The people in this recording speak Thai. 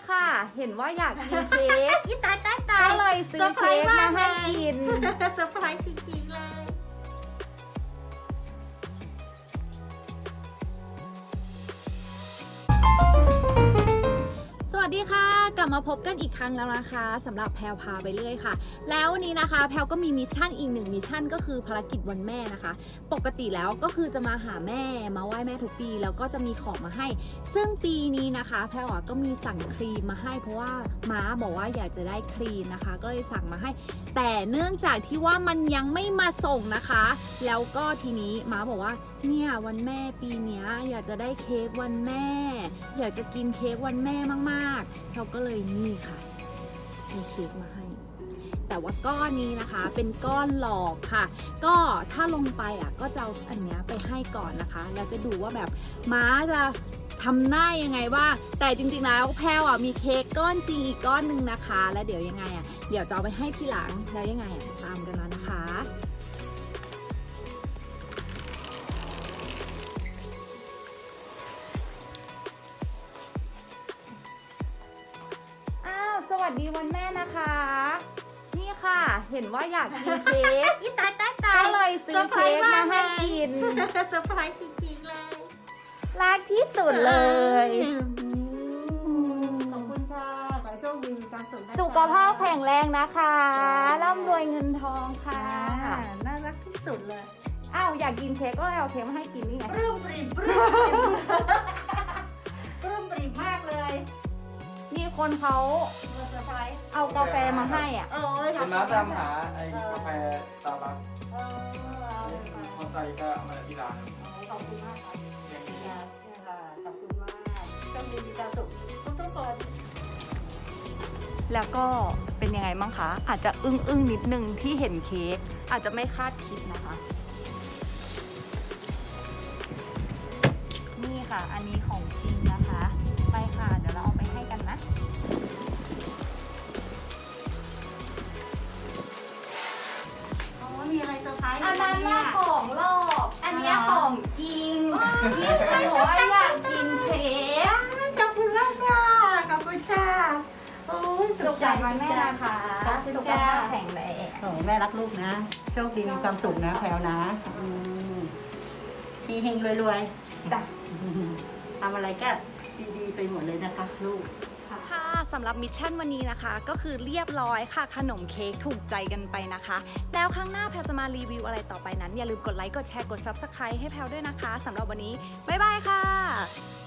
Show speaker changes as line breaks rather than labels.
ค่ะ เห็นว่าอยากกินเค้ก
อีตาย
ก็เลยซื้อเค้กมาให้กิน
เซอร์ไพรส์จริงๆเลย
สวัสดีค่ะกลับมาพบกันอีกครั้งแล้วนะคะสำหรับแพลวพาไปเรื่อยค่ะแล้ววันนี้นะคะแพลวก็มีมิชชั่นอีกหนึ่งมิชชั่นก็คือภารกิจวันแม่นะคะปกติแล้วก็คือจะมาหาแม่มาไหว้แม่ทุกปีแล้วก็จะมีของมาให้ซึ่งปีนี้นะคะแพลวก็มีสั่งครีมมาให้เพราะว่าม้าบอกว่าอยากจะได้ครีมนะคะก็เลยสั่งมาให้แต่เนื่องจากที่ว่ามันยังไม่มาส่งนะคะแล้วก็ทีนี้ม้าบอกว่าเนี่ยวันแม่ปีนี้อยากจะได้เค้กวันแม่ อยากจะกินเค้กวันแม่มากๆเราก็เลยนี่ค่ะมีเค้กมาให้ แต่ว่าก้อนนี้นะคะเป็นก้อนหลอกค่ะ ก็ถ้าลงไปก็จะเอาอันนี้ไปให้ก่อนนะคะแล้วจะดูว่าแบบม้าจะทำหน้ายังไงบ้างแต่จริงๆแล้วแพลวมีเค้กก้อนจริงอีกก้อนหนึ่งนะคะ แล้วเดี๋ยวยังไงเดี๋ยวจะเอาไปให้ทีหลังแล้วยังไงตามกันมานะคะสวัสดีวันแม่นะคะ นี่ค่ะ เห็นว่าอยากกินเค้ก
อีตาย
ก็เลยซื้อเค้กมาให้กิน
เซอร์ไพรส์จริงๆเลย
รักที่สุดเลย
ขอบคุณค่ะขอให้โชคดีมีความสุขนะคะ
สุขภาพแข็งแรงนะคะร่ำรวยเงินทองค่ะ
น่ารักที่สุดเลย
อ้าวอยากกินเค้กก็เลยเอาเค้กมาให้กินนี่ไง
ปลื้มปริ่มมากเลย
มีคนเขา
เซอร์ไพรส์
เอากาแฟมาให้
ขอบ
เป็นม้า
คุณ
ตามหาไอ้กาแฟสตาร์บัค
เอาเลยค่ะ
พอใจก็เอามาที่ร้าน
ขอบคุณมากครับ
อย่างนี้
ขอบคุณมากโชคดีมีความสุขทุกๆคน
แล้วก็เป็นยังไงบ้างคะอาจจะอึ้งนิดนึงที่เห็นเค้กอาจจะไม่คาดคิดนะคะ นี่ค่ะอันนี้ของจริงนะคะไปค่ะเดี๋ยวเราเอาไปให้กันนะ
มีอะไรเซอร์ไพรส์
อันนั้นน่ะของหลอกอันเนี้ยของจริงที่คุณบอกว่าอยากกินเค้ก
ขอบคุณมากค่ะขอบคุณค่ะโอ้ย
สุขสันต์วันแม่นะคะสุขภาพแข็งแรง
โอ้แม่รักลูกนะโชคดีมีความสุขนะแพลวนะเฮงๆรวยๆทำอะไรก็ดีๆไปหมดเลยนะคะลูก
ค่ะสำหรับมิชชั่นวันนี้นะคะก็คือเรียบร้อยค่ะขนมเค้กถูกใจกันไปนะคะแล้วครั้งหน้าแพลจะมารีวิวอะไรต่อไปนั้นอย่าลืมกดไลค์กดแชร์กด Subscribe ให้แพลด้วยนะคะสำหรับวันนี้บ๊ายบายค่ะ